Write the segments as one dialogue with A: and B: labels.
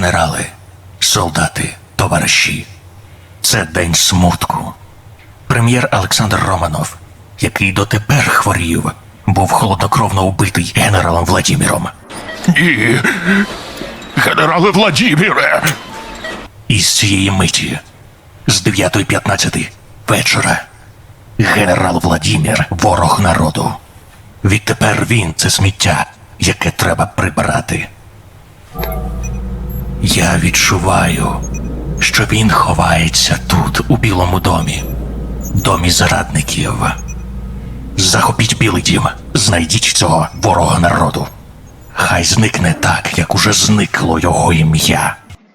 A: Генерали, солдати, товариші, це день смутку. Прем'єр Олександр Романов, який дотепер хворів, був холоднокровно убитий генералом Владіміром.
B: Ні, генерале Владіміре!
A: І з цієї миті, з 9:15 вечора, генерал Владімір – ворог народу. Відтепер він – це сміття, яке треба прибирати. Я відчуваю, що він ховається тут, у Білому домі. Домі зрадників. Захопіть Білий дім, знайдіть цього ворога народу. Хай зникне так, як уже зникло його ім'я.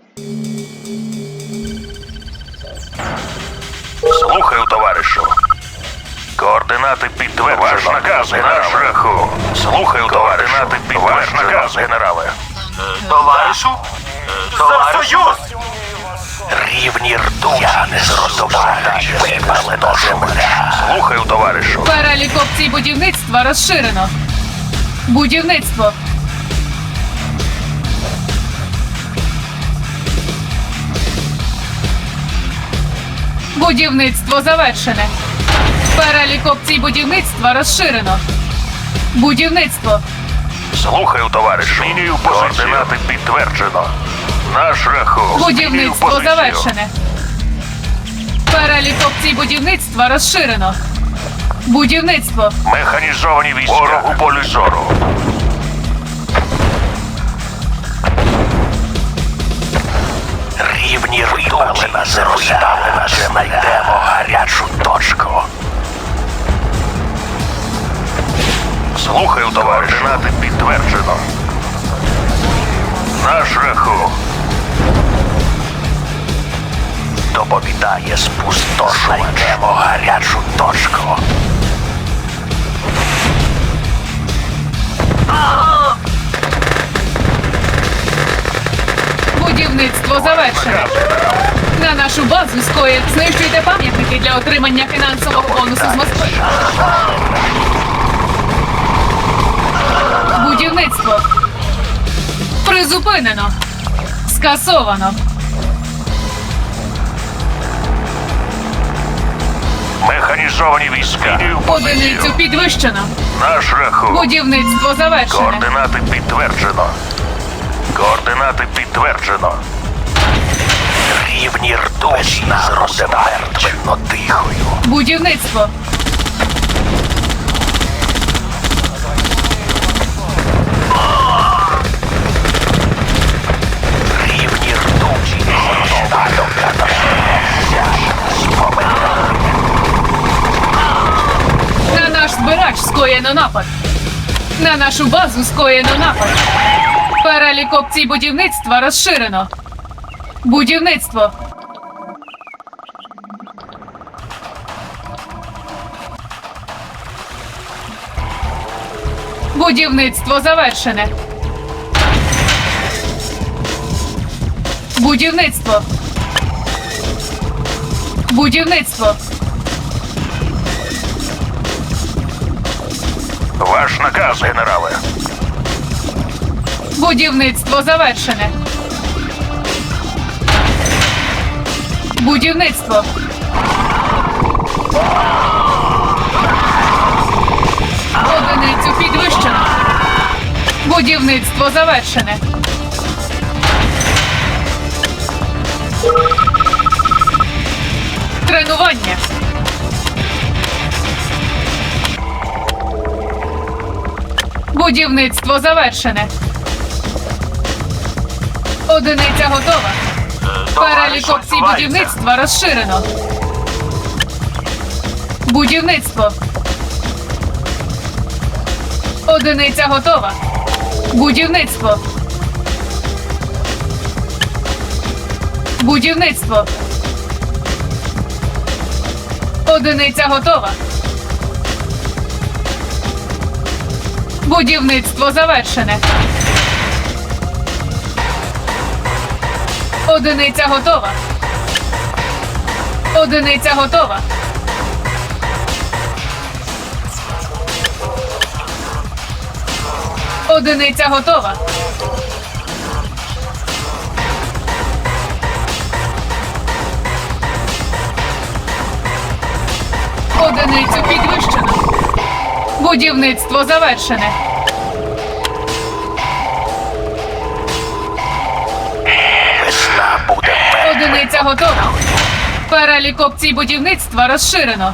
C: Слухаю, товаришу. Координати підтверджено. Ваш наказ, на шляху. Слухаю, координати підтверджено. Ваш наказ, генерале.
D: Товаришу? За Союз!
A: Рівні ртуті, я не зрозумію, випалена земля.
C: Слухаю, товаришу.
E: Перелік опцій будівництва розширено. Будівництво. Будівництво завершене. Перелік опцій будівництва розширено. Будівництво.
C: Слухаю, товаришу. Змінюю позицію. Координати підтверджено. На шляху. Змінюю
E: Будівництво
C: позицію.
E: завершене. Перелік опцій будівництва розширено. Будівництво.
C: Механізовані війська. Ворог у полі зору.
A: Рівні ртуті, розставлена земля. Знайдемо гарячу точку.
C: Слухаю, товаришу. Координати підтверджено. На шляху.
A: Доповідає спустошувач. Знайдемо гарячу точку.
E: Будівництво завершене. На нашу базу скоїть. Знищуйте пам'ятники для отримання фінансового бонусу з Москви. Будівництво. Призупинено. Скасовано.
C: Механізовані війська. Змінюю
E: Одиницю
C: позицію.
E: підвищено.
C: На шляху.
E: Будівництво завершене.
C: Координати підтверджено. Координати підтверджено.
A: Рівні ртуті, мертвенно тихою.
E: Будівництво.
A: Рівні ртуті,
E: На наш збирач скоєно напад. На нашу базу скоєно напад. Перелік опцій будівництва розширено. Будівництво. Будівництво завершене. Будівництво. Будівництво.
C: Ваш наказ, генерале.
E: Будівництво завершене. Будівництво. Одиницю підвищено. Будівництво завершене. Тренування. Будівництво завершене. Одиниця готова. Перелік опцій будівництва розширено. Будівництво. Одиниця готова. Будівництво. Будівництво. Одиниця готова. Будівництво завершене. Одиниця готова. Одиниця готова. Одиниця готова. Одиницю підвищено. Будівництво завершене.
C: Весна буде
E: Одиниця готова. Перелік опцій будівництва розширено.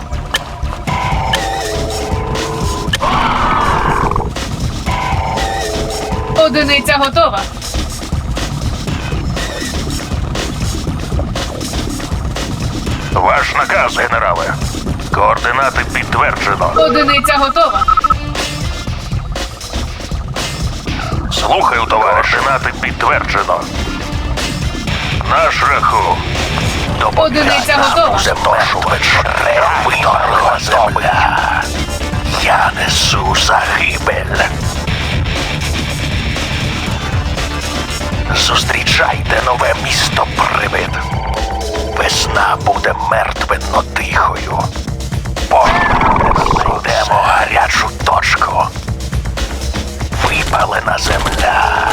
E: Одиниця готова.
C: Ваш наказ, генерале. Координати підтверджено.
E: Одиниця готова.
C: Слухаю, товариш. Координати підтверджено. На шляху.
E: Одиниця готова.
C: Виторгова земля. Я несу загибель. Зустрічайте нове місто привид. Весна буде мертвенно тихою. Знайдемо гарячу точку. Випалена земля.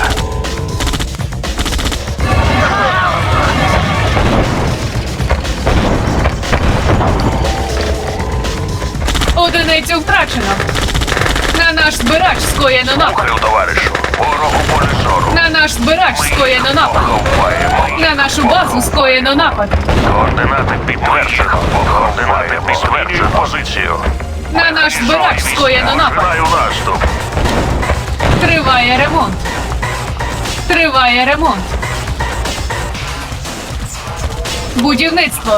E: Одиницю втрачено. На наш збирач скоєно напад.
C: Слухаю, товаришу. Ворогу поле зору.
E: На наш збирач скоєно напад.
C: Поховаємо.
E: На нашу базу скоєно напад.
C: Координати підтверджено. Координати підтверджено. Позицію.
E: На наш збирач скоєно напад.
C: Починаю наступ.
E: Триває ремонт. Триває ремонт. Будівництво.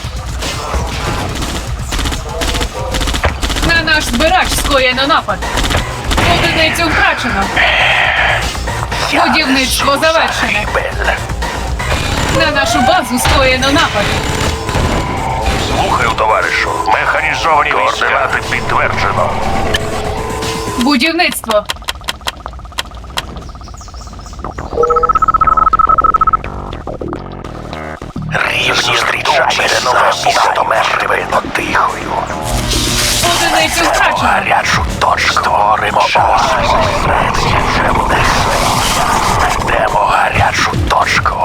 E: На наш збирач скоєно напад. Одиницю втрачено. Будівництво завершене.
C: Загибель.
E: На нашу базу скоєно напад.
C: Слухаю, товаришу. Механізовані координати підтверджено.
E: Будівництво.
C: Рівні зустрічайте нове місто мертвенно тихою.
E: Одиницю втрачено.
C: Гарячу точку. Створимо оазис. Знайдемо гарячу точку.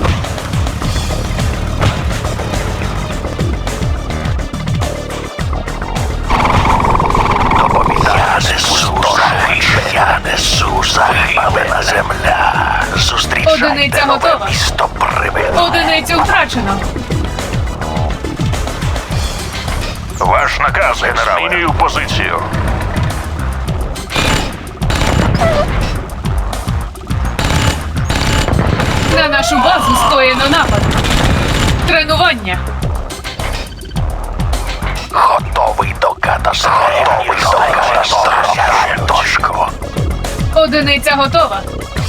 C: Я несу загибель земля. Зустрічайте
E: Одиниця
C: нове
E: готова.
C: місто привид.
E: Одиницю втрачено.
C: Ваш наказ, генерале. Змінюю позицію.
E: На нашу базу скоєно напад. Тренування.
C: Готовий до катастрофи. Готовий до катастрофи. Точку.
E: Одиниця готова.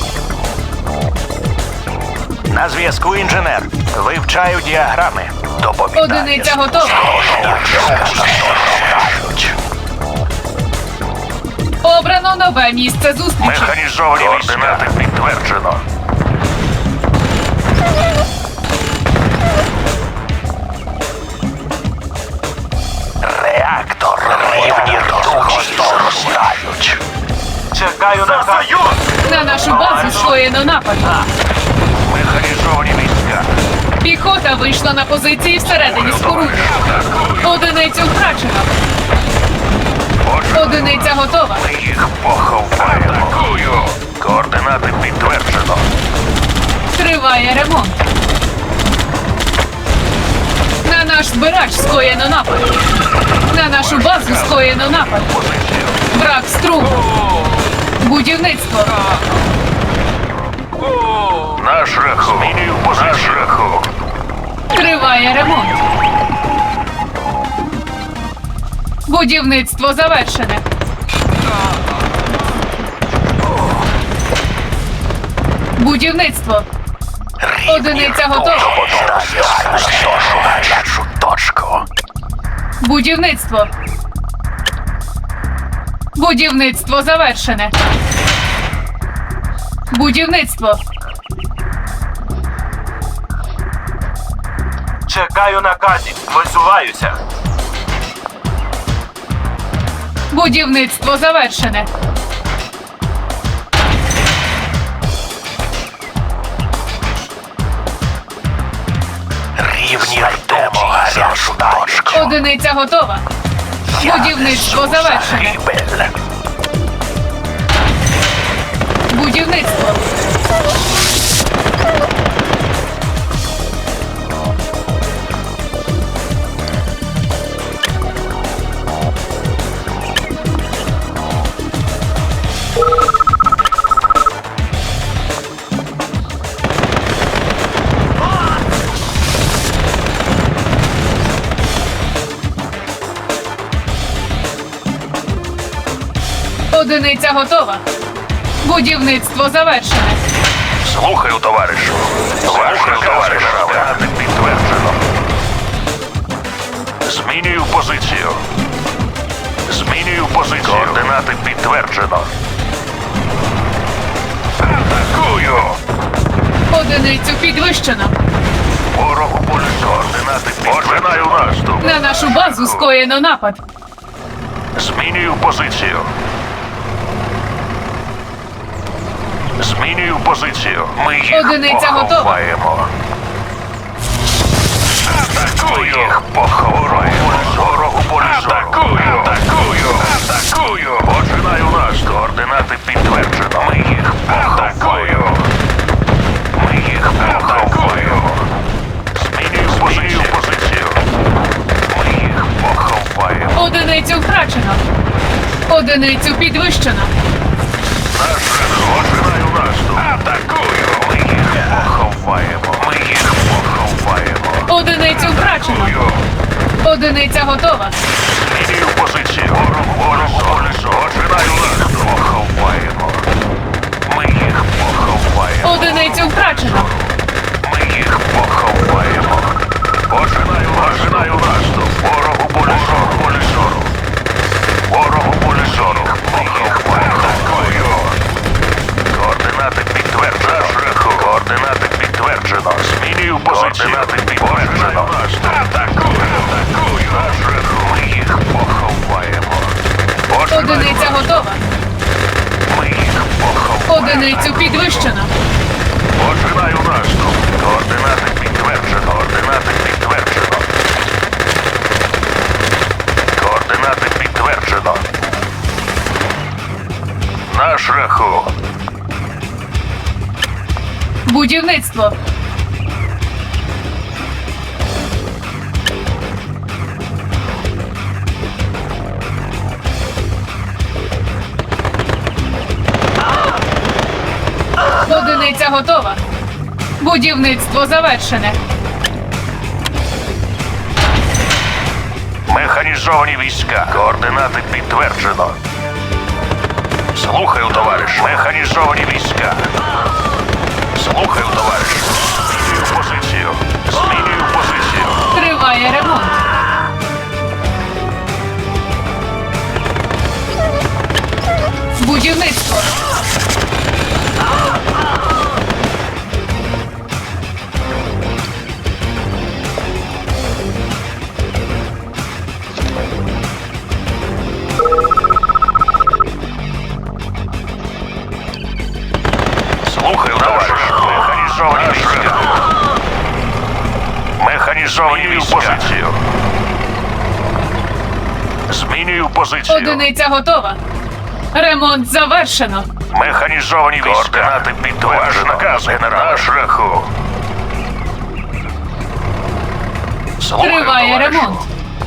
C: На зв'язку інженер. Вивчаю діаграми. Доповідає.
E: Одиниця готова. Обрано нове місце зустрічі.
C: Механізовані координати підтверджено. Реактор рівні розростають.
D: Чекаю на союз!
E: На нашу базу скоєно напад.
C: Механізовані війська.
E: Піхота вийшла на позиції всередині споруди. Одиницю втрачено. Одиниця готова.
C: Ми їх поховаємо. Атакую. Координати підтверджено.
E: Триває ремонт. На наш збирач скоєно напад. На нашу базу скоєно напад.
C: Позицію.
E: Брак струму. Будівництво.
C: На шляху. Змінюю позицію. На шляху.
E: Триває ремонт. Будівництво завершене. Будівництво. Одиниця готова.
C: Гарячу точку.
E: Будівництво. Будівництво завершене. Будівництво.
D: Чекаю наказів. Висуваюся.
E: Будівництво завершене.
C: Рівні йдемо гарячу точку.
E: Одиниця готова. Будівництво завершене.
C: Загибель.
E: Будівництво. Одиниця готова. Будівництво завершене.
C: Слухаю, товаришу. Ваш наказ, генерале. Підтверджено. Змінюю позицію. Змінюю позицію. Координати підтверджено. Атакую!
E: Одиницю підвищено.
C: Ворогу полі координати підтверджено. Починаю наступ.
E: На нашу базу скоєно напад.
C: Змінюю позицію. Змінюю позицію. Ми їх
E: Одиниця готова.
C: поховаємо. Атакую! Ми їх поховаємо. Ворогу полі Атакую! Атакую! Атакую! Починаю наступ. Координати підтверджено. Ми їх поховаємо. Ми їх поховаємо. Змінюю позицію. Ми їх поховаємо.
E: Одиницю втрачено. Одиницю підвищено.
C: Починаю наступ. Атакую! Ми їх поховаємо. Ми їх поховаємо.
E: Одиницю втрачено.
C: Атакую!
E: Одиниця готова.
C: Змінюю позицію. Ворогу колесо. Починаю наступ. Поховаємо. Ми їх поховаємо.
E: Одиницю втрачено.
C: Ми їх поховаємо. Починаю наступ. Ворогу полісору. Ворогу полісору. Ми їх поховаємо. Координати підтверджено. Координати підтверджено. Змінюю позицію. Координати підтверджено. Атакую. Атакую. Ми їх поховаємо.
E: Одиниця готова.
C: Ми їх поховаємо.
E: Одиницю підвищено.
C: Починаю наступ. Координати підтверджено. Координати підтверджено. Координати підтверджено. На шляху.
E: Будівництво. Одиниця готова. Будівництво завершене.
C: Механізовані війська. Координати підтверджено. Слухаю, товариш. Механізовані війська. Слухаю, товариш. Змінюю позицію. Змінюю позицію.
E: Триває ремонт. Будівництво.
C: Слухаю, товариш. Механізовані війська. Механізовані позицію. Змінюю позицію.
E: Одиниця готова. Ремонт завершено.
C: Механізовані війська. Координати підтверджено. Наказ, генерал. На шляху. Слухаю,
E: Триває
C: товаришу.
E: ремонт.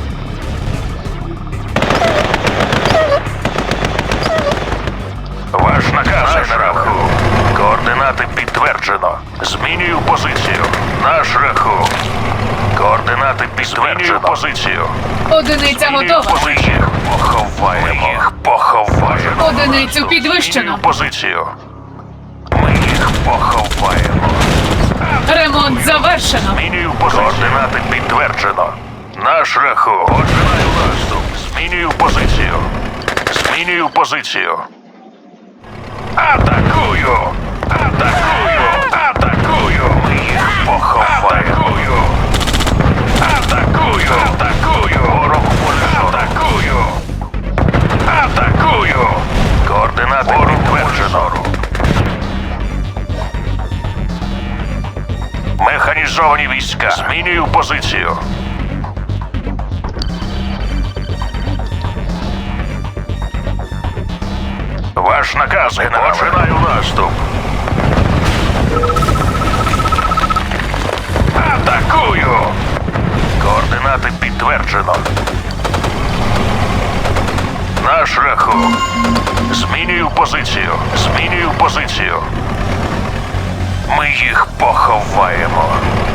C: Ваш наказ, генерал. Координати підтверджено. Змінюю позицію. На шляху. Координати підтверджено. Змінюю позицію.
E: Одиниця готова.
C: Ми їх поховаємо. Ми їх поховаємо.
E: Одиницю підвищено.
C: Змінюю позицію. Ми їх поховаємо.
E: Ремонт завершено.
C: Змінюю позицію. Координати підтверджено. На шляху. Починаю наступ. Змінюю позицію. Змінюю позицію. Атакую! Атакую! Атакую! Ми їх поховаємо. Атакую! Атакую! Ворог полісору. Атакую! Атакую! Координати підтверджено. Механізовані війська. Змінюю позицію. Ваш наказ, генерале. Починаю наступ. Атакую! Координати підтверджено. На шляху. Змінюю позицію. Змінюю позицію. Ми їх поховаємо.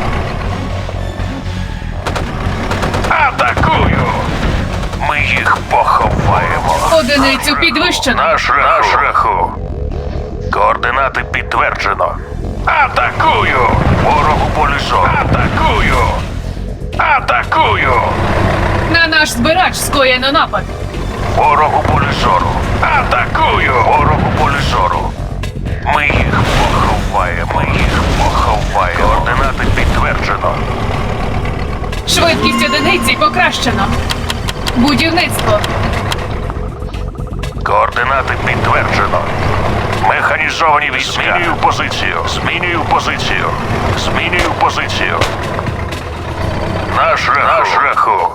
C: Атакую! Ми їх поховаємо.
E: Одиницю підвищено.
C: На шляху. Координати підтверджено. Атакую! Ворогу полі зору. Атакую! Атакую!
E: На наш збирач скоєно напад.
C: Ворогу полі зору. Атакую! Ворогу полі зору. Ми їх поховаємо. Ми їх поховаємо. Координати підтверджено.
E: Швидкість одиниці покращено. Будівництво.
C: Координати підтверджено. Механізовані війська. Змінюю позицію. Змінюю позицію. Змінюю позицію. На шляху.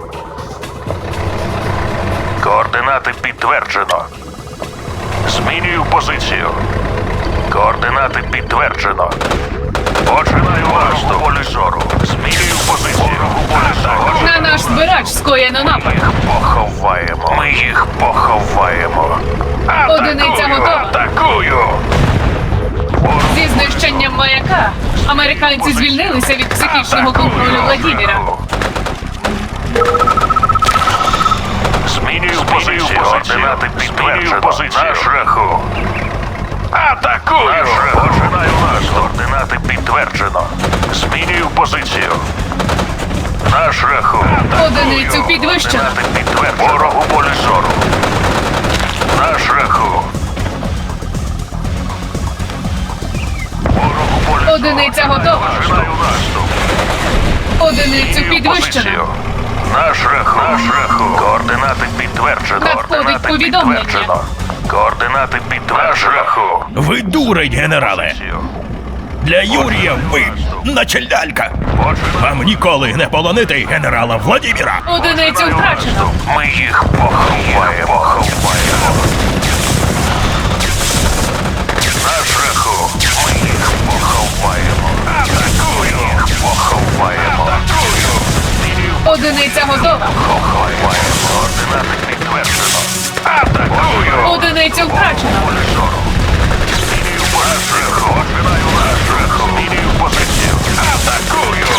C: Координати підтверджено. Змінюю позицію. Координати підтверджено. Починаю наступ. Полі зору. Змінюю позицію.
E: На наш збирач скоєно напад.
C: Ми їх поховаємо. Ми їх поховаємо.
E: Одиниця готова.
C: Атакую!
E: Зі знищенням маяка американці звільнилися від психічного контролю Владіміра.
C: Змінюю позицію. Координати підтверджено. На шляху. Атакую! Починаю наступ. Координати підтверджено. Змінюю позицію. На шляху.
E: Одиницю підвищено.
C: Координати підтверджено. Ворогу полі зору. На шляху. Ворогу полі зору.
E: Одиниця готова.
C: Починаю наступ.
E: Одиницю підвищено.
C: На шляху. Координати підтверджено.
E: Надходить
C: Координати
E: повідомлення.
C: підтверджено. Координати підтверджено. На шляху.
B: Ви дурень, генерале! Для Юрія ви начальдалька! Вам ніколи не полонити генерала Владіміра!
E: Одиницю втрачено.
C: Ми їх поховаємо. На шляху. Ми їх поховаємо. Атакую. Їх поховаємо. Атакую.
E: Одиниця готова.
C: Поховаємо. Координати підтверджено. Атакую.
E: Одиницю втрачено.
C: Змінюю позицію. Починаю на шляху. Змінюю позицію. Атакую.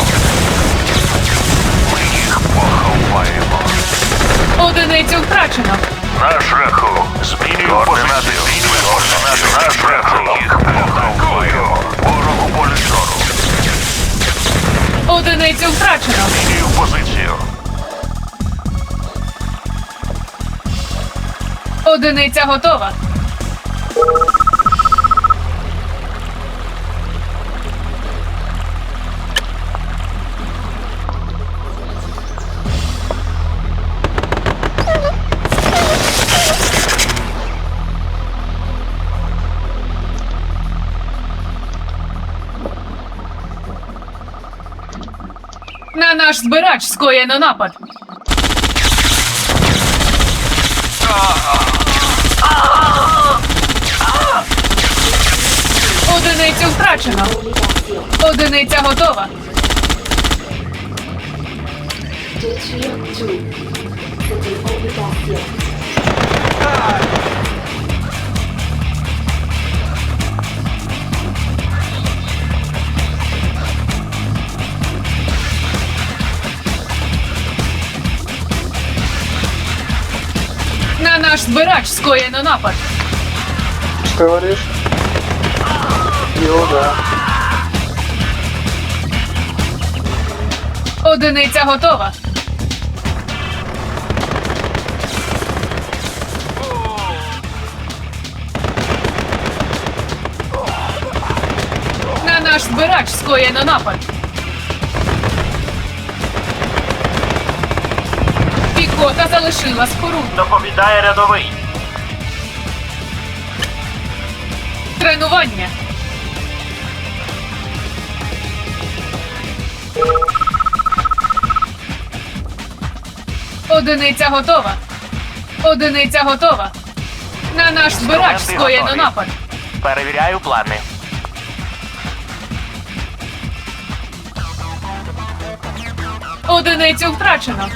C: Ми їх поховаємо.
E: Одиницю втрачено.
C: На шляху. Змінюю позицію. На шляху. Їх поховаю. Ворогу полі зору.
E: Одиницю втрачено.
C: Змінюю позицію.
E: Одиниця готова. На наш збирач скоєно напад. Одиницю втрачено. Одиниця готова.
F: Détruire tout. C'est une obligation.
E: На наш збирач скоєно напад.
G: Что говоришь? Его, да.
E: Одиниця готова. На наш збирач скоєно напад. Піхота залишила споруду.
D: Доповідає рядовий.
E: Тренування. Одиниця готова. Одиниця готова. На наш збирач скоєно напад.
C: Перевіряю плани.
E: Одиницю втрачено.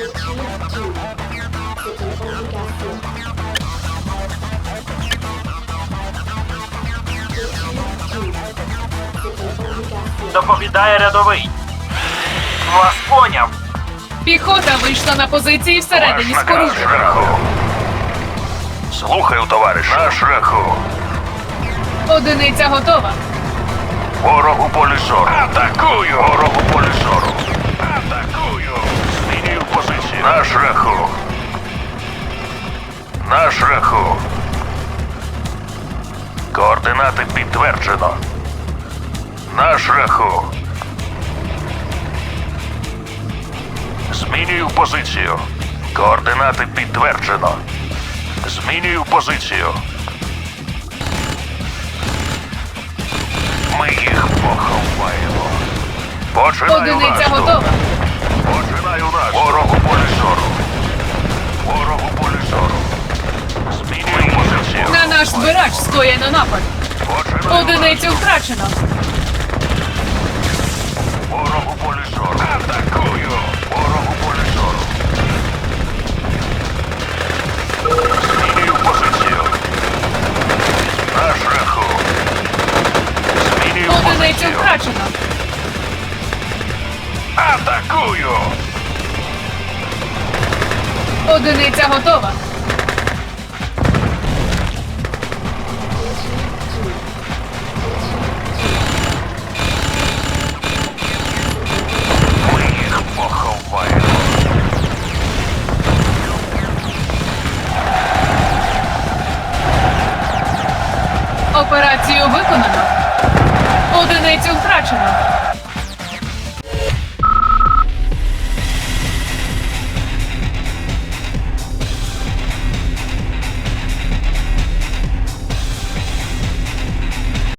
D: Доповідає рядовий. Вас поняв.
E: Піхота вийшла на позиції всередині
C: Ваш наказ,
E: споруди.
C: шляху. Слухаю, товариш. На шляху.
E: Одиниця готова.
C: Ворог у полі зору. Атакую! Ворог у полі зору. Атакую! Змінюю позицію. На шляху. На шляху. Координати підтверджено. На шляху. Змінюю позицію. Координати підтверджено. Змінюю позицію. Ми їх поховаємо. Починаю
E: Одиниця
C: наступ.
E: готова.
C: Починаю наступ. Ворог у полі зору. Ворог у полі зору. Змінюю позицію.
E: На наш збирач скоєно напад.
C: Починаю
E: Одиницю втрачено.
C: наступ. Ворог у полі зору. Атакую. Ворог у полі зору. Змінюю позицію. На шляху. Змінюю
E: Одиницю
C: позицію.
E: втрачено.
C: Атакую!
E: Одиниця готова.
C: Ми їх поховаємо.
E: Операцію виконано. Одиницю втрачено.